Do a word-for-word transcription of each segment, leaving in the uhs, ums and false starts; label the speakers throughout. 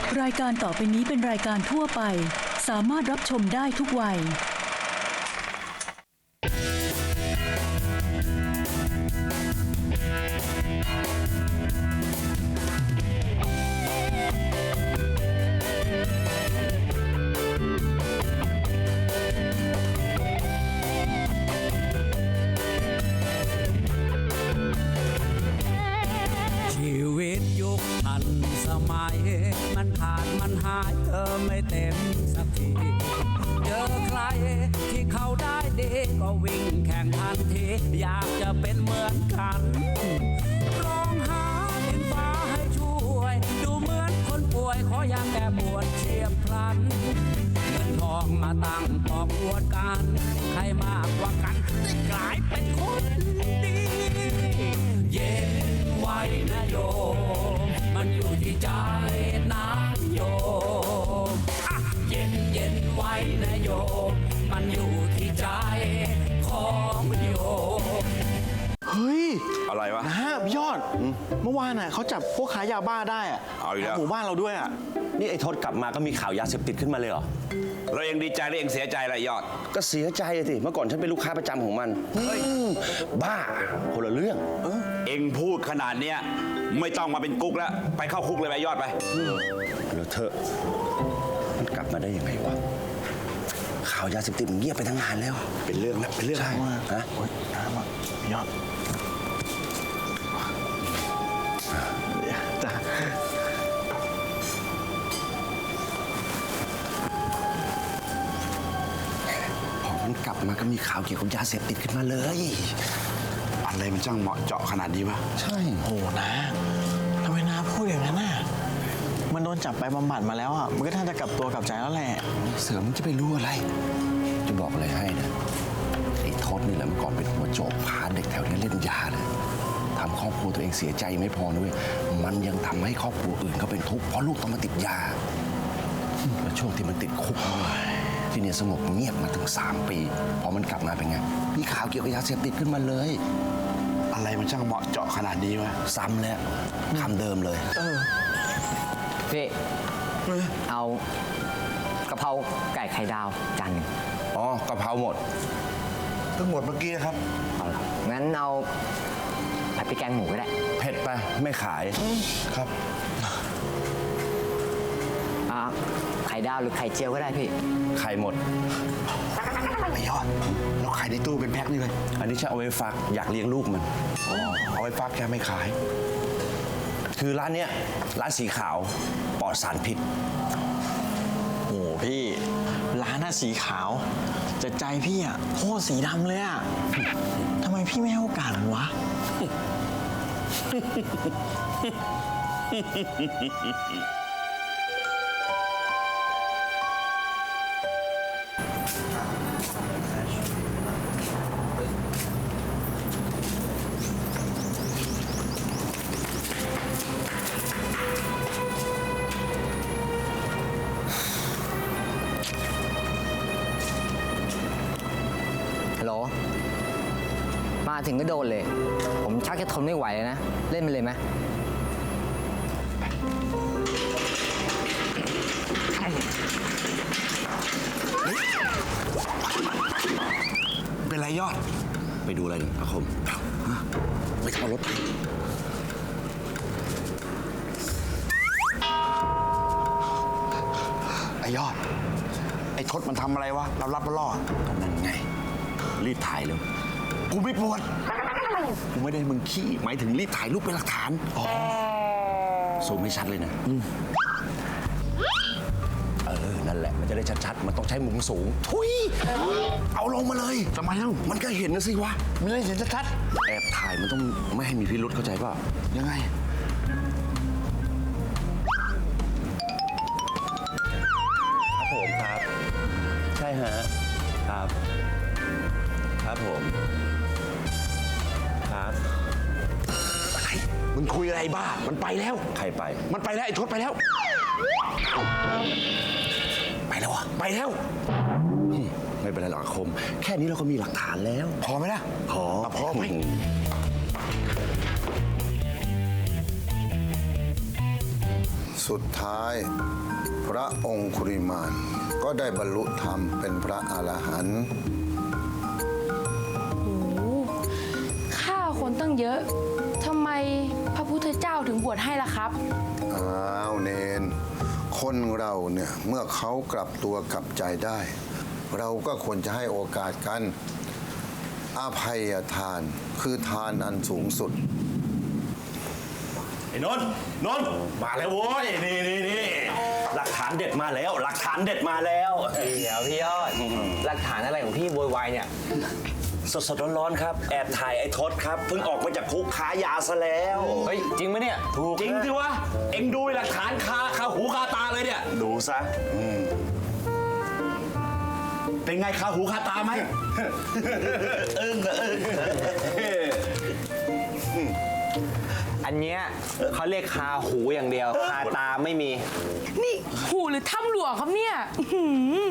Speaker 1: รายการต่อไปนี้เป็นรายการทั่วไปสามารถรับชมได้ทุกวัย
Speaker 2: ชีวิตยุคทันสมัยมันขาดมันหายเธอไม่เต็มสักทีเจอใครที่เขาได้ดีก็วิ่งแข่งทันทีอยากจะเป็นเหมือนกันร้องหาดินฟ้าให้ช่วยดูเหมือนคนป่วยขออยากแก้ปวดเฉียบพลันเงินทองมาตั้งปอกอวดกันใครมากกว่ากันได้กลายเป็นคนดีเย็นไว้นะโยมมันอยู่ที่ใจนะโยมอ่ะเย็นเย็นไว้นะโยมมันอยู่ที่ใจของโยม
Speaker 3: เฮ้ย
Speaker 4: อะไรวะ
Speaker 3: นะพี่ยอดเมื่อวานน่ะเขาจับพวกขายยาบ้าได้อะ
Speaker 4: เอาอีกแล้ว
Speaker 3: หมู่บ้านเราด้วยอ่ะ
Speaker 5: นี่ไอ้ทศกลับมาก็มีข่าวยาเสพติดขึ้นมาเลยเหรอ
Speaker 4: เราเองดีใจหรือเองเสียใจอะไรยอด
Speaker 5: ก็เสียใจเลยสิ เมื่อก่อนฉันเป็นลูกค้าประจำของมันเฮ้ยบ้าคนละเรื่อง
Speaker 4: เองพูดขนาดเนี้ยไม่ต้องมาเป็นกุ๊กแล้วไปเข้าคุกเลยไปยอดไป
Speaker 5: แล้วเธอมันกลับมาได้ยังไงวะ ข่าวยาเสพติดมันเงียบไปทั้งงานแล้ว
Speaker 4: เป็นเรื่องแล้วเป็นเรื่อง
Speaker 5: ใช่
Speaker 3: ว่า
Speaker 5: ฮะ
Speaker 3: โอ๊ยน้ำอ่ะพี่ยอดจ้ะ
Speaker 5: พอมันกลับมาก็มีข่าวเกี่ยวกับยาเสพติดขึ้นมาเลย
Speaker 4: อะไรมันช่างเหมาะเจาะขนาดนี้วะ
Speaker 5: ใช่
Speaker 3: โอ้นะทำไมนาพูดอย่างนั้นน่ะมันโดนจับไปบำบัดมาแล้วอ่ะมันก็ท่านจะกลับตัวกลับใจแล้วแหละ
Speaker 5: เสือมันจะไปรู้อะไร จะบอกอะไรให้นะไอ้ทศนี่แหละเมื่อก่อนเป็นหัวโจกพาเด็กแถวนี้เล่นยาเลยทำครอบครัวตัวเองเสียใจไม่พอนะเว้ยมันยังทำให้ครอบครัวอื่นเขาเป็นทุกข์เพราะลูกต้องมาติดยาแล้วช่วงที่มันติดคุกเนี่ยที่เนี่ยสงบเงียบมาถึงสามปีพอมันกลับมาเป็นไงมีข่าวเกี่ยวกับยาเสพติดขึ้นมาเลย
Speaker 4: อะไรมันช่างเหมาะเจาะขนาดนี้วะ
Speaker 5: ซ้ำแล้วคำเดิมเลย
Speaker 6: พี่เอากะเพราไก่ไข่ดาวจานหนึ่ง
Speaker 5: อ๋อกะเพราหมด
Speaker 4: ทั้งหมดเมื่อกี้ครับ
Speaker 6: เอาละงั้นเอาผัดพริกแกงหมูก็ได้
Speaker 5: เผ็ดไปไม่ขาย
Speaker 4: ครับ
Speaker 6: อ่าไข่ดาวหรือไข่เจียวก็ได้พี่
Speaker 5: ไข่หมด
Speaker 4: ไอ้ยอดเราขายในตู้เป็นแพ็คนี่เลย
Speaker 5: อันนี้ฉันเอาไว้ฝากอยากเลี้ยงลูกมัน
Speaker 4: อ๋อเอาไว้ฟักแค่ไม่ขาย
Speaker 5: คือร้านเนี้ยร้านสีขาวปลอดสารพิษ
Speaker 3: โอ้พี่ร้านน่ะสีขาวแต่ใจพี่อ่ะโคตรสีดำเลยอ่ะทำไมพี่ไม่ให้โอกาสมันวะ
Speaker 6: ฮัลโหล มาถึงก็โดนเลย ผมชักจะทนไม่ไหวแล้วนะ เล่นไปเลยไหม
Speaker 4: เป็นไรยอด
Speaker 5: ไปดูอะไรหนึ่งอาคมฮะไปขับรถไป
Speaker 4: ไอ้ยอด ไอ้ทศมันทำอะไรวะเรารับมาล่อ
Speaker 5: นั่นไง รีบถ่ายเร็ว
Speaker 4: กูไม่ปวด
Speaker 5: กูไม่ได้มึงขี้หมายถึงรีบถ่ายรูปเป็นหลักฐานซูมให้ชัดเลยนะเออ นั่นแหละ มันจะได้ชัดๆ มันต้องใช้มุมสูง ทุย เอาลงมาเลย
Speaker 4: ทำไมเล่า
Speaker 5: มันก็เห็นนะสิวะ
Speaker 4: ไม่ได้เห็นชัด
Speaker 5: แอบถ่ายมันต้องไม่ให้มีพิรุษเข้าใจป่ะ
Speaker 4: ๆยังไง
Speaker 5: ครับผมครับ ใช่ฮะ ครับ ครับผม ครับ
Speaker 4: มึงคุยอะไรบ้า มันไปแล้ว
Speaker 5: ใครไป
Speaker 4: มันไปแล้วไอ้ทศไปแล้ว
Speaker 5: ไปแล้วอ่ะ
Speaker 4: ไปแล้ว
Speaker 5: ไม่เป็นไรหรอกอาคม แค่นี้เราก็มีหลักฐานแล้ว
Speaker 4: พอไหมล่ะ
Speaker 5: พอ
Speaker 4: อ่ะพอไหม
Speaker 5: ม
Speaker 7: สุดท้ายพระองคุริมานก็ได้บรรลุธรรมเป็นพระอรหันต์
Speaker 8: โอ้โหฆ่าคนตั้งเยอะ ทำไมพระพุทธเจ้าถึงบวชให้ล่ะครับ
Speaker 7: อ้าวเนน คนเราเนี่ยเมื่อเขากลับตัวกลับใจได้ เราก็ควรจะให้โอกาสกันอภัยทานคือทานอันสูงสุด
Speaker 4: ไอ้นนท์นนท์มาแล้วโว้ยนี่นี่นี่หลักฐานเด็ดมาแล้ว หลักฐานเด็ดมาแล้ว
Speaker 6: เดี๋ยวพี่ยอด หลักฐานอะไรของพี่โวยวายเนี่ย
Speaker 4: สดสดๆร้อนๆครับแอบถ่ายไอ้ทศครับเพิ่งออกมาจากคุกค้ายาซะแล้ว
Speaker 6: เฮ้ย จริงไหมเนี่ย
Speaker 4: ถูกจริงสิวะเอ็งดูหลักฐานคาคาหูคาตาเลยเนี่ยดูซะเป็นไงคาหูคาตาไหม อึ้งอะอึ้ง
Speaker 6: อันเนี้ยเขาเรียกคาหูอย่างเดียว คาตาไม่มี
Speaker 8: นี่หูหรือถ้ำหลวงครับเนี่ยอื้อหื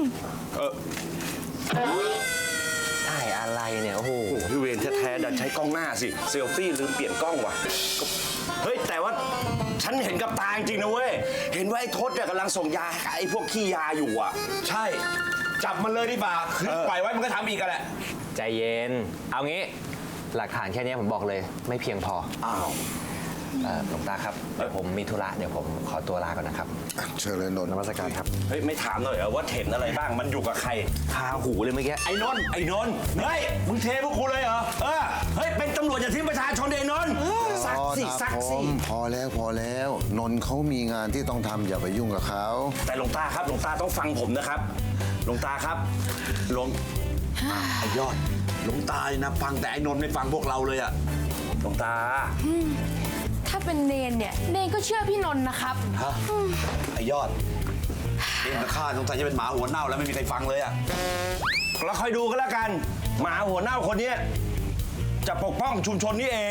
Speaker 8: อ
Speaker 6: ได้อะไรเนี่ย โอ้โห
Speaker 4: โอ้โหพี่เวรแท้ๆดันใช้กล้องหน้าสิเซลฟี่ลืมเปลี่ยนกล้องว่ะเฮ้ยแต่ว่าฉันเห็นกับตาจริงๆนะเว้ยเห็นว่าไอ้ทศเนี่ยกำลังส่งยาให้กับไอ้พวกขี้ยาอยู่อ่ะใช่จับมันเลยดีกว่าคือปล่อยไว้มันก็ทำอีกกันแหละ
Speaker 6: ใจเย็น เอางี้ หลักฐานแค่เนี้ยผมบอกเลย ไม่เพียงพอ
Speaker 4: อ้าว
Speaker 6: เอ่อหลวงตาครับเดี๋ยวผมมีธุระเดี๋ยวผมขอตัวลาก่อนนะครับ
Speaker 7: เชิญเลยนนท์
Speaker 6: นมัสการครับ
Speaker 4: เฮ้ยไม่ถามหน่อยเหรอว่าเห็นอะไรบ้างมันอยู่กับใคร
Speaker 6: คาหูเลยเมื่อกี้
Speaker 4: ไอ้นนท์ไอ้นนท์เฮ้ยมึงเทพวกกูเลยเหรอเออเฮ้ยเป็นตำรวจอย่าทิ้งประชาชนเดนนท์ซักสิซักสิ
Speaker 7: พอแล้วพอแล้ว นนท์เขามีงานที่ต้องทำอย่าไปยุ่งกับเขา
Speaker 4: แต่หลวงตาครับหลวงตาต้องฟังผมนะครับหลวงตาครับหลวงอ่ะไอ้ยอดหลวงตานะฟังแต่ไอ้นนท์ไม่ฟังพวกเราเลยอะหลวงตา
Speaker 8: ถ้าเป็นเนนเนี่ย เนนก็เชื่อพี่นนท์นะครับ
Speaker 4: ฮะไอ้ยอดเองกับข้าสงสัยจะเป็นหมาหัวเน่าแล้วไม่มีใครฟังเลยอะแล้วคอยดูกันแล้วกัน หมาหัวเน่าคนนี้จะปกป้องชุมชนนี้เอง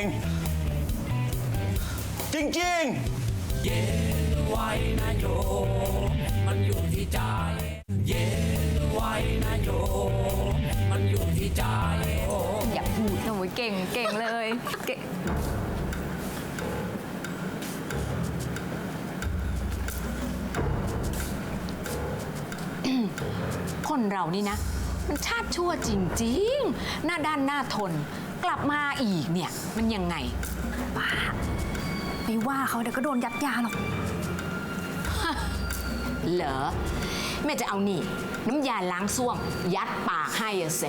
Speaker 4: จริงๆ
Speaker 2: เย็นไว้นะโยมมันอยู่ที่ใจ เย็นไว้นะโยมมันอยู่ที่ใจ
Speaker 8: อย่าพูดนะเว้ยเก่งเก่งเลยเก่ง
Speaker 9: คนเรานี่นะ มันชาติชั่วจริงๆ หน้าด้านหน้าทน กลับมาอีกเนี่ย มันยังไงป้าไม่ว่าเขาเดี๋ยวก็โดนยัดยาหรอก เหรอ แม่จะเอานี่ น้ำยาล้างส้วม ยัดปากให้อะเส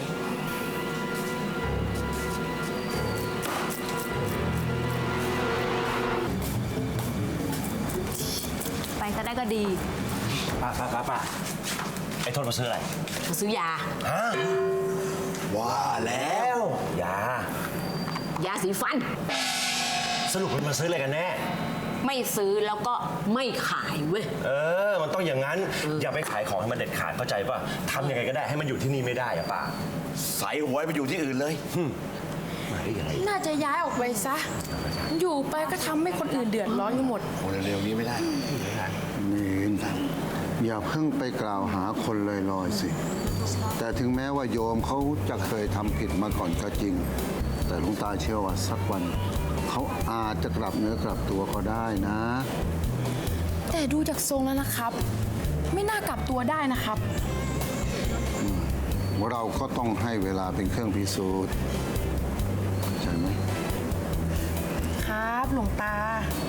Speaker 9: ไปก็ได้ก็ดี
Speaker 4: ป้าป้าป้าป้าไอ้ทนมาซื้ออะไร
Speaker 9: มาซื้อยา
Speaker 4: ฮะว่าแล้วยาย
Speaker 9: าสีฟัน
Speaker 4: สรุปมันมาซื้ออะไรกันแน่
Speaker 9: ไม่ซื้อแล้วก็ไม่ขายเว้ย
Speaker 4: เออ มันต้องอย่างนั้น อย่าไปขายของให้มันเด็ดขาดเข้าใจป่ะทำยังไงก็ได้ให้มันอยู่ที่นี่ไม่ได้อะป้าใส่หัวไปอยู่ที่อื่นเลยหึมาได้ยังไง
Speaker 8: น่าจะย้ายออกไปซะ อยู่ไปก็ทำให้คนอื่นเดือดร้อนกันหมด
Speaker 5: โอ้เร็วๆนี้ไม่ได้
Speaker 7: เนนอย่าเพิ่งไปกล่าวหาคนลอยๆสิ แต่ถึงแม้ว่าโยมเขาจะเคยทำผิดมาก่อนก็จริง แต่หลวงตาเชื่อว่าสักวัน เขาอาจจะกลับเนื้อกลับตัวก็ได้นะ
Speaker 8: แต่ดูจากทรงแล้วนะครับ ไม่น่ากลับตัวได้นะครับ
Speaker 7: เราก็ต้องให้เวลาเป็นเครื่องพิสูจน์ใช่ไหม
Speaker 8: ครับหลวงตา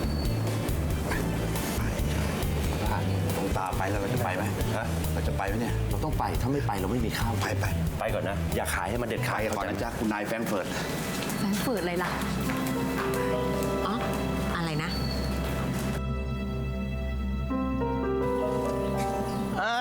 Speaker 4: หลวงตาไปแล้วเราจะไปไหมฮะเราจะไปไหมเนี่ย
Speaker 5: เราต้องไป ถ้าไม่ไปเราไม่มีข้าว
Speaker 4: ไปไปไปก่อนนะ อย่าขายให้มันเด็ดขาดก่อนนะจ๊ะคุณนายแฟรงก์เฟิร์ต
Speaker 9: แฟนฝืดเลยล่ะ อ๋อ อะไรนะ
Speaker 3: อ่า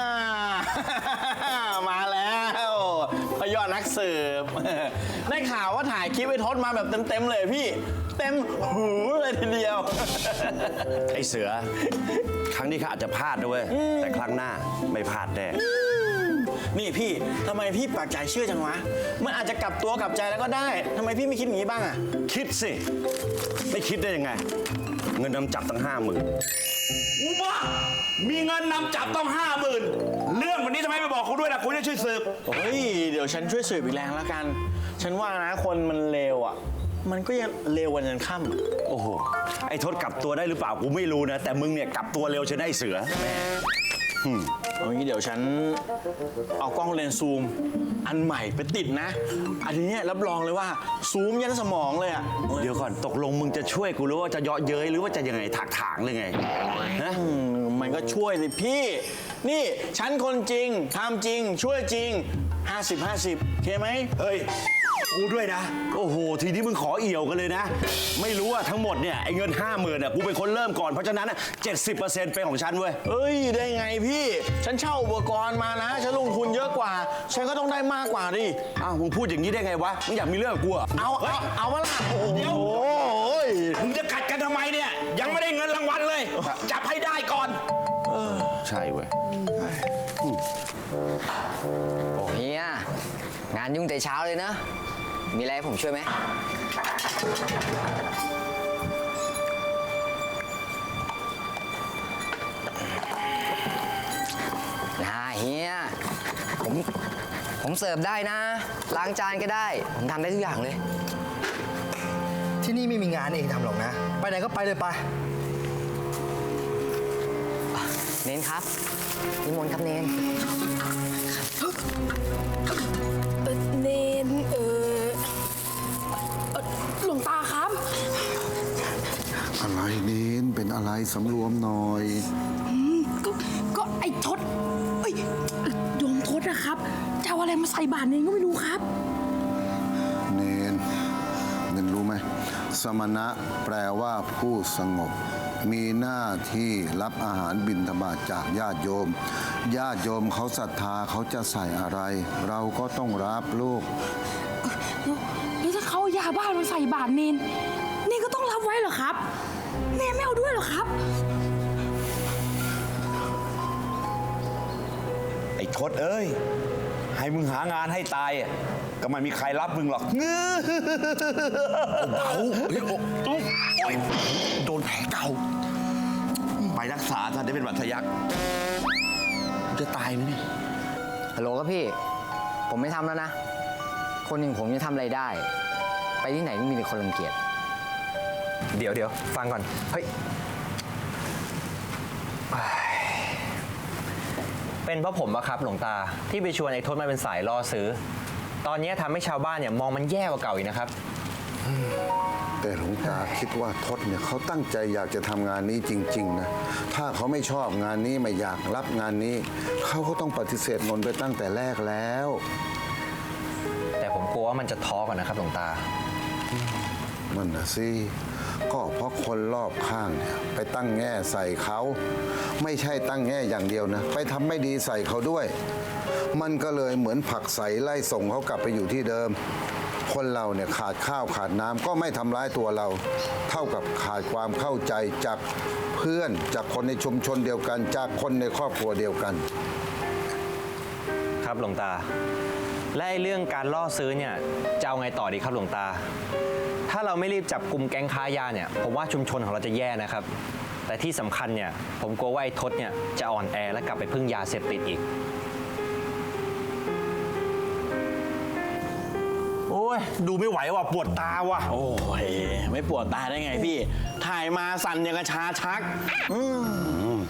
Speaker 3: มาแล้วพยอดนักสืบ ได้ข่าวว่าถ่ายคลิปไอ้ทศมาแบบเต็มๆเลยพี่ เต็มหูเลยทีเดียว
Speaker 4: ไอ้เสือ ครั้งนี้ข้าอาจจะพลาดด้วยแต่ครั้งหน้าไม่พลาดแน่
Speaker 3: นี่พี่ทำไมพี่ปากใจเชื่อจังวะ มันอาจจะกลับตัวกลับใจแล้วก็ได้ทำไมพี่ไม่คิดอย่างนี้บ้างอะ
Speaker 4: คิดสิ ไม่คิดได้ยังไง เงินนำจับตั้งห้าหมื่นอูบ้ามีเงินนำจับต้องห้าหมื่นเรื่องวันนี้ทำไมไม่บอกคุณด้วยล่ะคุณจะช่วยสืบ
Speaker 3: เฮ้ย เดี๋ยวฉันช่วยสืบอีกแรงแล้วกัน ฉันว่านะคนมันเลวอ่ะมันก็ยังเร็ววันยันค่ำ
Speaker 4: โอ้โห ไอ้ทศกลับตัวได้หรือเปล่ากูไม่รู้นะ แต่มึงเนี่ยกลับตัวเร็วใช่ไหมไอ้เสือ
Speaker 3: เอางี้เดี๋ยวฉันเอากล้องเลนส์ซูม อันใหม่ไปติดนะ อันนี้เนี่ยรับรองเลยว่าซูมยันสมองเลยอะ
Speaker 4: เดี๋ยวก่อนตกลงมึงจะช่วยกูหรือว่าจะเยาะเย้ยหรือว่าจะยังไงถากถางเลยไงฮะ
Speaker 3: อืมมันก็ช่วยสิพี่ นี่ฉันคนจริงทำจริง ช่วยจริง ห้าสิบ ห้าสิบโอเคไหม
Speaker 4: เฮ้ย กูด้วยนะ โอ้โห ทีนี้มึงขอเอี่ยวกันเลยนะ ไม่รู้ว่าทั้งหมดเนี่ยไอ้เงินห้าหมื่นอ่ะกูเป็นคนเริ่มก่อน เพราะฉะนั้นเจ็ดสิบเปอร์เซ็นต์เป็นของฉันเว้ย
Speaker 3: เอ้ย ได้ไงพี่ ฉันเช่าอุปกรณ์มานะ ฉันลงทุนเยอะกว่า ฉันก็ต้องได้มากกว่าดิ
Speaker 4: อ้าวมึงพูดอย่างนี้ได้ไงวะ มึงอยากมีเรื่องกับกูเหรอ
Speaker 3: เอา เอา เอามาละโอ้โห
Speaker 4: เดี๋ยว
Speaker 3: โอ้ย
Speaker 4: มึงจะกัดกันทำไมเนี่ย ยังไม่ได้เงินรางวัลเลย จับให้ได้ก่อน ใช่เว้ย
Speaker 6: โอ้เฮียงานยุ่งแต่เช้าเลยนะ มีอะไรให้ผมช่วยไหมนะเฮียผมผมเสิร์ฟได้นะ ล้างจานก็ได้ ผมทำได้ทุกอย่างเลย
Speaker 10: ที่นี่ไม่มีงานเองทำหรอกนะ ไปไหนก็ไปเลยไป
Speaker 6: เน้นครับนิมนต์ครับเน้น
Speaker 8: เนนเออเอ่อหลวงตาครับ
Speaker 7: อะไรเน้นเป็นอะไรสำรวมหน่อย
Speaker 8: ก็ก็ไอ้ทศเอ้ยโยมทศนะครับจะเอาอะไรมาใส่บาตรเนนก็ไม่รู้ครับ
Speaker 7: เนนเนนรู้ไหมสมณะแปลว่าผู้สงบ มีหน้าที่รับอาหารบิณฑบาตจากญาติโยม ญาติโยมเขาศรัทธาเขาจะใส่อะไร เราก็ต้องรับลูก
Speaker 8: แล้วแล้วถ้าเขาเอายาบ้ามาใส่บาตรเนนเนนก็ต้องรับไว้เหรอครับ เนนไม่เอาด้วยเหรอครับ
Speaker 4: ไอ้ทศเอ้ย ให้มึงหางานให้ตายอะก็ไม่มีใครรับมึงหรอกเงื้อเบาเฮ้ยโอ้ยโดนแผลเก่า ไปรักษาท่านได้เป็นบัตรทะยักจะตายไหมเนี่ย
Speaker 6: ฮัลโหลครับพี่ ผมไม่ทำแล้วนะ คนหนึ่งผมจะทำอะไรได้ ไปที่ไหนก็มีแต่คนรังเกียจ
Speaker 10: เดี๋ยวเดี๋ยวฟังก่อน เฮ้ย เป็นเพราะผมอะครับหลวงตาที่ไปชวนไอ้ทศมาเป็นสายล่อซื้อ ตอนนี้ทำให้ชาวบ้านเนี่ยมองมันแย่กว่าเก่าอีกนะครับ
Speaker 7: แต่หลวงตาคิดว่าทศเนี่ยเขาตั้งใจอยากจะทำงานนี้จริงๆนะถ้าเขาไม่ชอบงานนี้ไม่อยากรับงานนี้ เขาก็ต้องปฏิเสธนนท์ไปตั้งแต่แรกแล้ว
Speaker 10: แต่ผมกลัวว่ามันจะท้อก่อนนะครับหลวงตา
Speaker 7: มันนะสิก็เพราะคนรอบข้างเนี่ยไปตั้งแง่ใส่เขาไม่ใช่ตั้งแง่อย่างเดียวนะไปทำไม่ดีใส่เขาด้วย มันก็เลยเหมือนผลักใสไล่ส่งเขากลับไปอยู่ที่เดิม คนเราเนี่ยขาดข้าวขาดน้ำก็ไม่ทำร้ายตัวเรา เท่ากับขาดความเข้าใจจากเพื่อนจากคนในชุมชนเดียวกัน จากคนในครอบครัวเดียวกัน
Speaker 10: ครับหลวงตา และไอ้เรื่องการล่อซื้อเนี่ยจะเอาไงต่อดีครับหลวงตา ถ้าเราไม่รีบจับกลุ่มแก๊งค้ายาเนี่ยผมว่าชุมชนของเราจะแย่นะครับ แต่ที่สำคัญเนี่ยผมกลัวว่าไอ้ทศเนี่ยจะอ่อนแอและกลับไปพึ่งยาเสพติดอีก
Speaker 4: โอ้ย ดูไม่ไหวว่ะปวดตาว่ะ
Speaker 3: โอ้ย ไม่ปวดตาได้ไงพี่ ถ่ายมาสั่นอย่างกระชาชัก อืม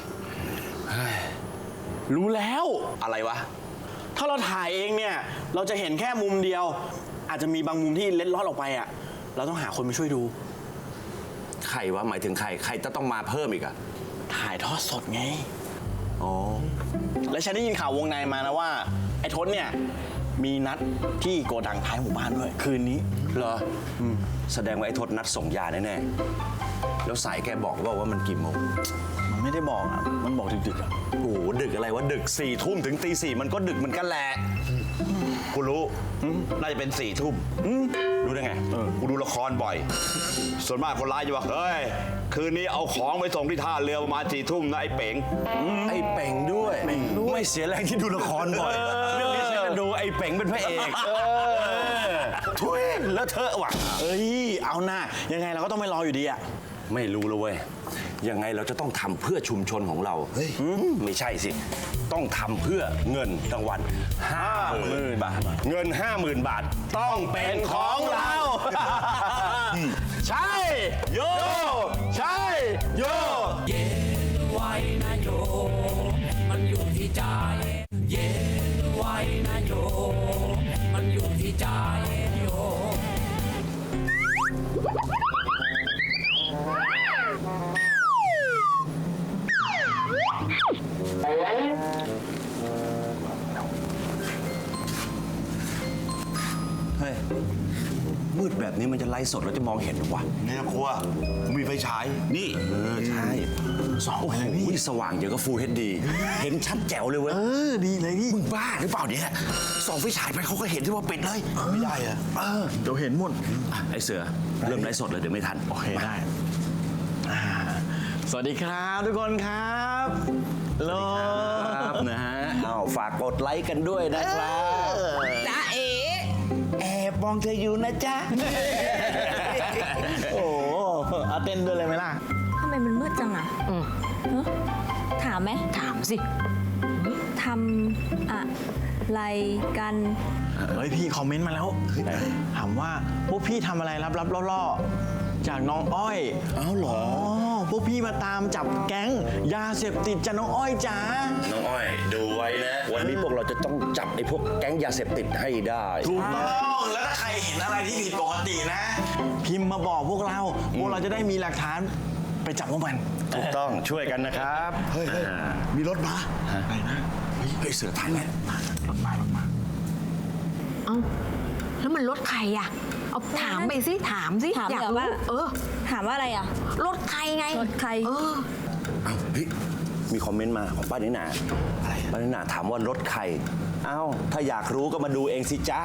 Speaker 3: รู้แล้ว
Speaker 4: อะไรวะ
Speaker 3: ถ้าเราถ่ายเองเนี่ย เราจะเห็นแค่มุมเดียว อาจจะมีบางมุมที่เล็ดลอดออกไปอ่ะ เราต้องหาคนมาช่วยดู
Speaker 4: ใครวะ หมายถึงใคร ใครจะต้องมาเพิ่มอีกอะ
Speaker 3: ถ่ายทอดสดไง
Speaker 4: อ๋อ
Speaker 3: และฉันได้ยินข่าววงในมานะว่า ไอ้ทศเนี่ย มีนัดที่โกดังท้ายหมู่บ้านด้วย คืนนี้
Speaker 4: เหรออืมแสดงว่าไอ้ทศนัดส่งยาแน่ๆ แล้วสายแกบอกว่าว่ามันกี่โมง
Speaker 3: มันไม่ได้บอกอ่ะ มันบอกดึกๆอ่ะ
Speaker 4: โอ้โห ดึกอะไรวะ ดึกสี่ทุ่มถึงตีสี่มันก็ดึกเหมือนกันแหละ กูรู้ น่าจะเป็นสี่ทุ่มรู้ได้ไง กูดูละครบ่อย ส่วนมากคนร้ายจะบอก เฮ้ย คืนนี้เอาของไปส่งที่ท่าเรือประมาณสี่ทุ่มนะไอ้เป๋ง ไอ้เป๋งด้วย ไม่เสียแรงที่ดูละครบ่อย เรื่องนี้ฉันจะดูไอ้เป๋งเป็นพระเอกทุยแล้วเธอะว่ะ
Speaker 3: เอ้ย เอาหน้า ยังไงเราก็ต้องไม่รออยู่ดีอ่ะ
Speaker 4: ไม่รู้เลยเว้ย ยังไงเราจะต้องทำเพื่อชุมชนของเรา เฮ้ย ไม่ใช่สิ ต้องทำเพื่อเงินรางวัลห้าหมื่นบาท เงินห้าหมื่นบาท ต้องเป็นของเรา
Speaker 3: ใช่ โย ใช่ โย
Speaker 2: เย็นไว้นะโยมมันอยู่ที่ใจ เย็นไว้นะโยมมันอยู่ที่ใจโยม
Speaker 4: เฮ้ย มืดแบบนี้มันจะไลฟ์สดแล้วจะมองเห็นหรือวะ
Speaker 5: ไม่ต้องกลัวผมมีไฟฉาย
Speaker 4: นี่ เออ ใช่สองโอ้โหสว่างเดี๋ยวก็ฟูลเฮดดี เห็นชัดแจ๋วเลยเว้ย
Speaker 3: เออ ดีเลยพี่
Speaker 4: มึงบ้าหรือเปล่าเนี่ยส่องไฟฉายไปเขาก็เห็นที่ว่าปิดเลย
Speaker 5: ไม่ได้อะ
Speaker 4: เออ
Speaker 3: เดี๋ยวเห็นหมด
Speaker 4: อ่ะไอเสือ เริ่มไลฟ์สดเลยเดี๋ยวไม่ทัน
Speaker 3: โอเค ได้อ่าสวัสดีครับทุกคนครับโล
Speaker 4: ครับนะฮะอ้าวฝากกดไลค์กันด้วยนะครับจ้าเอ๋แอบมองเธออยู่นะจ๊ะ
Speaker 3: โอ้โหเอาเต้นด้วยเลยไหมล่ะ
Speaker 11: ทำไมมันมืดจังอ่ะฮะถามไหม
Speaker 9: ถามสิ
Speaker 11: ทำอะไรกัน
Speaker 3: เฮ้ยพี่คอมเมนต์มาแล้ว ถามว่าพวกพี่ทำอะไรลับๆล่อๆจากน้องอ้อย
Speaker 4: อ้าวเหรอ
Speaker 3: อ๋อพวกพี่มาตามจับแก๊งยาเสพติดจากน้องอ้อยจ้า
Speaker 4: น้องอ้อย ดูไว้นะ วันนี้พวกเราจะต้องจับไอ้พวกแก๊งยาเสพติดให้ได้
Speaker 3: ถูกต้องแล้วถ้าใครเห็นอะไรที่ผิดปกตินะ พิมพ์มาบอกพวกเรา พวกเราจะได้มีหลักฐานไปจับพวกมัน
Speaker 4: ถูกต้องช่วยกันนะครับ
Speaker 5: เฮ้ยเฮ้ยมีรถมา
Speaker 3: อะไรนะ
Speaker 4: เฮ้ยเสือทันไหม
Speaker 3: รถมารถมา
Speaker 9: เอ้า แล้วมันรถใครอ่ะ เอาถามไปสิ ถามสิ
Speaker 11: ถาม
Speaker 9: อยาก
Speaker 11: เหรอ
Speaker 9: รู้
Speaker 11: ว่า
Speaker 9: เออ
Speaker 11: ถามว่าอะไรอ่ะ
Speaker 9: รถใครไง
Speaker 11: รถใคร
Speaker 9: เออ
Speaker 4: อ้าวเฮ้ยมีคอมเมนต์มาของป้านิน่าอะไรป้านิน่าถามว่ารถใครอ้าวถ้าอยากรู้ก็มาดูเองสิจ๊ะ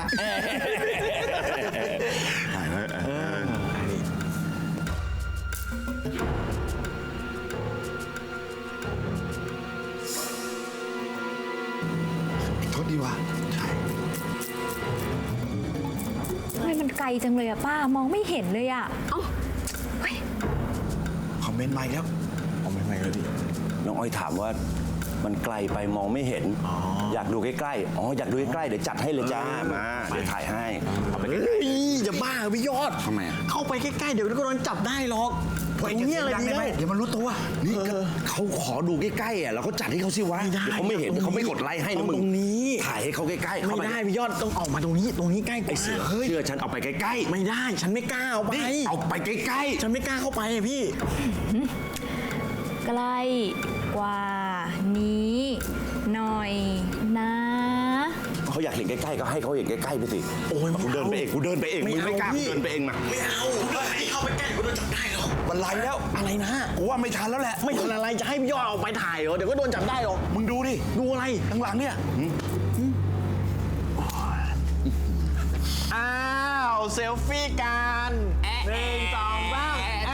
Speaker 5: ไอ้ทศดีวะใช่
Speaker 11: ทำไมมันไกลจังเลยอ่ะป้ามองไม่เห็นเลยอ่ะ
Speaker 9: เอ้าเฮ้ย
Speaker 5: คอมเมนต์มาอีกแล้ว
Speaker 3: เอาไม่ไม่เลยดิ
Speaker 4: น้องอ้อยถามว่ามันไกลไปมองไม่เห็น อยากดูใกล้ๆ อ๋อ อยากดูใกล้ๆ เดี๋ยวจัดให้เลยจ้า มา เดี๋ยวถ่ายให้เอาไปใกล้
Speaker 3: เฮ้ยจะบ้าเหรอพี่ยอด
Speaker 5: ทำไมอะ
Speaker 3: เข้าไปใกล้ๆเดี๋ยวก็โดนจับได้หรอกตรงเนี้ยอะไรดี
Speaker 5: ได้
Speaker 3: แล้ว
Speaker 5: ไหมเดี๋ยวมันรู้ตัว
Speaker 4: นี่ก็เขาขอดูใกล้ๆอ่ะเราก็จัดให้เขาสิวะ
Speaker 3: ไม่ได้
Speaker 4: เดี๋ยวเขาไม่เห็นเดี๋ยวเขาไม่กดไลค์ให้นะมึง
Speaker 3: ตรงนี้
Speaker 4: ถ่ายให้เขาใกล้ๆ
Speaker 3: ไม่
Speaker 4: เข้าป
Speaker 3: ได้พี่ยอดต้องออกมาตรงนี้ตรงนี้ใกล้กว่า
Speaker 4: ไอเสือเชื่อฉันเอาไปใกล้ๆ
Speaker 3: ไม่ได้ฉันไม่กล้าเอาไป
Speaker 4: นี่เอาไปใกล้
Speaker 3: ฉันไม่กล้าเข้าไปอะพี่
Speaker 11: ใกล้กว่านี้หน่อยนะ
Speaker 4: ๆเขาอยากเห็นใกล้ๆก็ให้เขาเห็นใกล้ๆไปสิ
Speaker 3: โอ้ย
Speaker 4: กูเดินไปเองกูเดินไปเองมึงไม่กล้า
Speaker 3: เอา
Speaker 4: กู
Speaker 3: พี่
Speaker 4: เดินไปเองมา
Speaker 3: ไม่เอาให้เข้าไปใกล้ก็โดนจับได้หรอก
Speaker 5: มันไลแล้ว
Speaker 3: อะไรนะ
Speaker 5: กูว่าไม่ทันแล้วแหละ
Speaker 3: ไม่ทันอะไรจะให้พี่ยอดออกไปถ่ายเหรอเดี๋ยวก็โดนจับได้หรอก
Speaker 5: มึงดูดิ
Speaker 3: ดูอะไร
Speaker 5: ข้างหลังเนี่ย
Speaker 3: อ้าวเซลฟี่กันหนึ่งสองสาม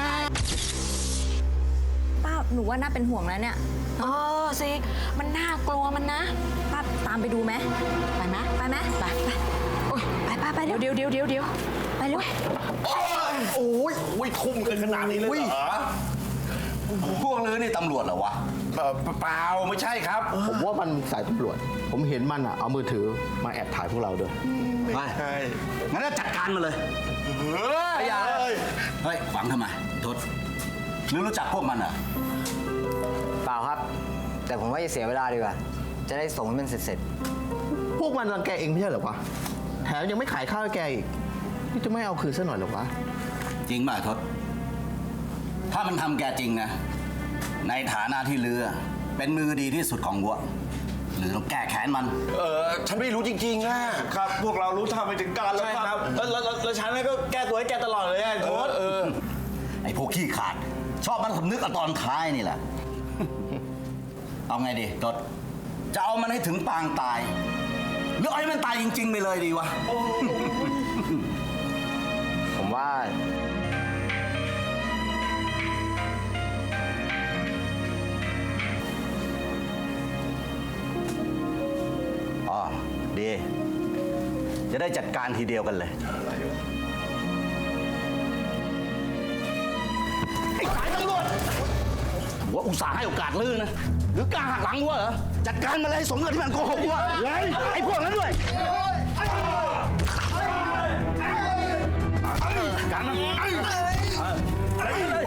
Speaker 11: ป้าหนูว่าน่าเป็นห่วงแล้วเนี่ย
Speaker 9: เออสิ มันน่ากลัวมันนะ
Speaker 11: ป้าตามไปดูไหม
Speaker 9: ไปไหม
Speaker 11: ไปไหม
Speaker 9: ไปไปโอ้ย
Speaker 11: ไปป้าไป
Speaker 9: เดี๋
Speaker 11: เร็
Speaker 9: ยว วเดี๋ยวเดี๋ยวเดี๋ยวเดี๋ยว
Speaker 11: ไปเร็ว
Speaker 4: โอ้ยโอ้ยทุ่มกันขนาดนี้เลยเหรอพวกเลยนี่ตำรวจเหรอวะเปล่าเปล่าไม่ใช่ครับ
Speaker 12: ผมว่ามันสายตำรวจ ผมเห็นมันอ่ะ เอามือถือมาแอบถ่ายพวกเราด้วย
Speaker 4: ไม่ใช่งั้นก็จัดการมาเลยเฮ้ยอย่าเลยเฮ้ยหวังทำไมทศหรือรู้จักพวกมันเหรอ
Speaker 6: เปล่าครับ แต่ผมว่าจะเสียเวลาดีกว่า จะได้ส่งให้มันเสร็จ
Speaker 12: พวกมันรังแกเองไม่ใช่เหรอวะ แถมยังไม่ขายข้าวให้แกอีก นี่จะไม่เอาคืนซะหน่อยเหรอวะ
Speaker 4: จริงป่ะทศถ้ามันทำแกจริงนะ ในฐานะที่เรือ เป็นมือดีที่สุดของวัวหรือต้องแก้แค้นมัน
Speaker 3: เออฉันไม่รู้จริงๆอะครับ พวกเรารู้ทำไปถึงการแล้วครับแล้วแล้วแล้วฉันก็แก้ตัวให้แกตลอดเลยอะโทษเออ
Speaker 4: ไอ้พวกขี้ขาด ชอบมันสำนึกกับตอนท้ายนี่แหละ เอาไงดีทศจะเอามันให้ถึงปางตาย หรือเอาให้มันตายจริง ๆ ไปเลยดีวะ
Speaker 6: ๆ ผมว่า
Speaker 4: อ๋อ ดี จะได้จัดการทีเดียวกันเลย ไอ้สายตำรวจว่าอุตส่าห์ให้โอกาสลื่นนะ หรือกล้าหักหลังวะเหรอ จัดการมาเลยสมกับที่มันโกหกวะเลยไอ้พวกนั้นด้วย การดันมันอะไรเลย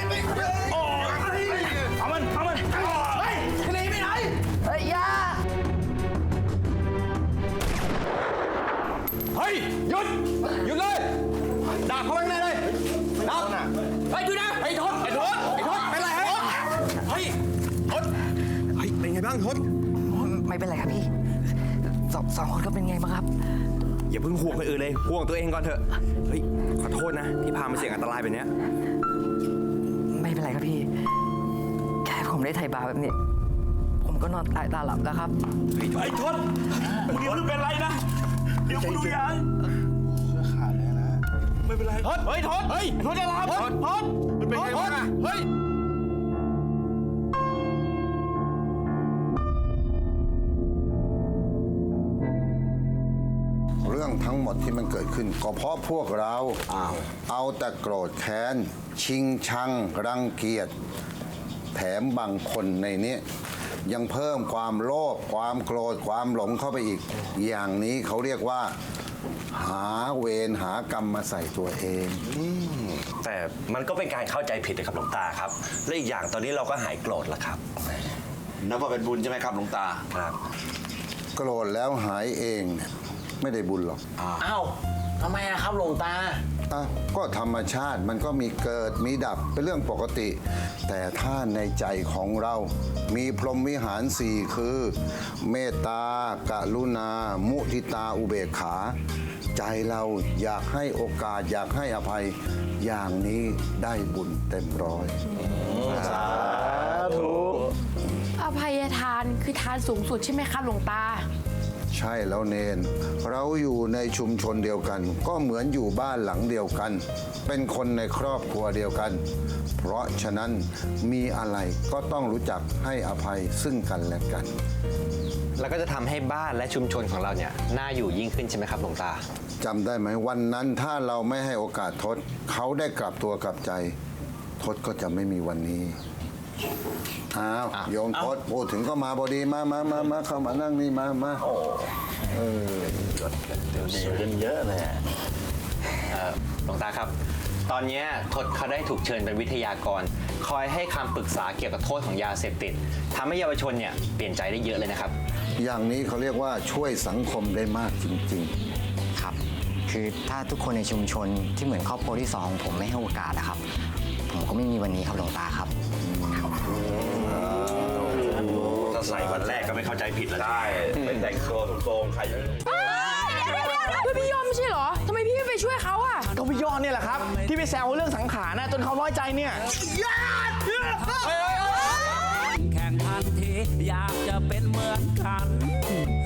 Speaker 4: เอามันเอามันเฮ้ยหนีไปไหน
Speaker 6: เฮ้ยอยา
Speaker 10: เฮ้ย หยุด หยุดเลยด่าเขาไปเลยด่าเฮ้ยหยุดนะไอ้ทศไอ้ทศไอ้ทศเป็นไรฮะเฮ้ยทศเฮ้ยเป็นไงบ้างทศ
Speaker 6: ไม่เป็นไรครับพี่สองสองคนก็เป็นไงบ้างครับ
Speaker 10: อย่าเพิ่งห่วงคนอื่นเลยห่วงตัวเองก่อนเถอะเฮ้ยขอโทษนะที่พามาเสี่ยงอันตรายแบบเนี้ย
Speaker 6: ไม่เป็นไรครับพี่ แค่ผมได้ไถ่บาปแบบนี้ ผมก็นอนตายตาหลับแล้วครับ
Speaker 4: ไอ้ทศมึงเดี๋ยวมึงเป็นไรนะเดี๋ยวกูดูยาไม่เป็นไรทศเฮ้ยทศเฮ้ยทศจะรับทศทศมันเป็นไงบ้างอะเฮ้ย
Speaker 7: เรื่องทั้งหมดที่มันเกิดขึ้นก็เพราะพวกเราเอาแต่โกรธแค้น ชิงชัง รังเกียจ แถมบางคนในนี้ยังเพิ่มความโลภความโกรธความหลงเข้าไปอีก อย่างนี้เขาเรียกว่า หาเวรหากรรมมาใส่ตัวเอง
Speaker 4: แต่มันก็เป็นการเข้าใจผิดนะครับหลวงตาครับ และอีกอย่างตอนนี้เราก็หายโกรธแล้วครับ
Speaker 5: นับว่าเป็นบุญใช่ไหมครับหลวงตา
Speaker 4: ครับ
Speaker 7: โกรธแล้วหายเองเนี่ยไม่ได้บุญหรอก
Speaker 3: อ้าวทำไมอะครับหลวงตา
Speaker 7: อ่ะก็ธรรมชาติมันก็มีเกิดมีดับเป็นเรื่องปกติ แต่ถ้าในใจของเรามีพรหมวิหารสี่คือ เมตตากรุณา มุทิตาอุเบกขา ใจเราอยากให้โอกาสอยากให้อภัย อย่างนี้ได้บุญเต็มร้อย
Speaker 3: สาธุ
Speaker 8: อภัยทานคือทานสูงสุดใช่ไหมครับหลวงตา
Speaker 7: ใช่แล้วเนน เราอยู่ในชุมชนเดียวกัน ก็เหมือนอยู่บ้านหลังเดียวกัน เป็นคนในครอบครัวเดียวกัน เพราะฉะนั้นมีอะไรก็ต้องรู้จักให้อภัยซึ่งกันและกัน
Speaker 10: แล้วก็จะทำให้บ้านและชุมชนของเราเนี่ยน่าอยู่ยิ่งขึ้นใช่ไหมครับหลวงตา
Speaker 7: จำได้ไหมวันนั้นถ้าเราไม่ให้โอกาสทศเขาได้กลับตัวกลับใจทศก็จะไม่มีวันนี้อ้าวโยมทศพูดถึงก็มาพอดีมามามามาเข้ามานั่งนี่มามาเออ
Speaker 3: เดี๋ยวดีกันเยอะเลยอะ
Speaker 10: เอ่อหลวงตาครับ ตอนเนี้ยทศเขาได้ถูกเชิญเป็นวิทยากร คอยให้คำปรึกษาเกี่ยวกับโทษของยาเสพติดทำให้เยาวชนเนี่ยเปลี่ยนใจได้เยอะเลยนะครับ
Speaker 7: อย่างนี้เขาเรียกว่าช่วยสังคมได้มากจริง
Speaker 6: ครับ คือถ้าทุกคนในชุมชนที่เหมือนครอบครัวที่สองของผมไม่ให้โอกาสนะครับ ผมก็ไม่มีวันนี้ครับหลวงตาครับ
Speaker 4: ถ้าใส่วันแรกก็ไม่เข้าใจผิดแล้วได้เป็นแต่งตัวโทรงๆใคร
Speaker 8: เฮ้ยพี่ยอมไม่ใช่เหรอทำไมพี่ไม่ไปช่วยเขาอะ
Speaker 12: ก็พี่ยอดเนี่ยแหละครับ ที่ไปแซวเรื่องสังขารนะจนเขาน้อยใจเนี่ย
Speaker 2: แข่งทันทีอยากจะเป็นเหมือนกัน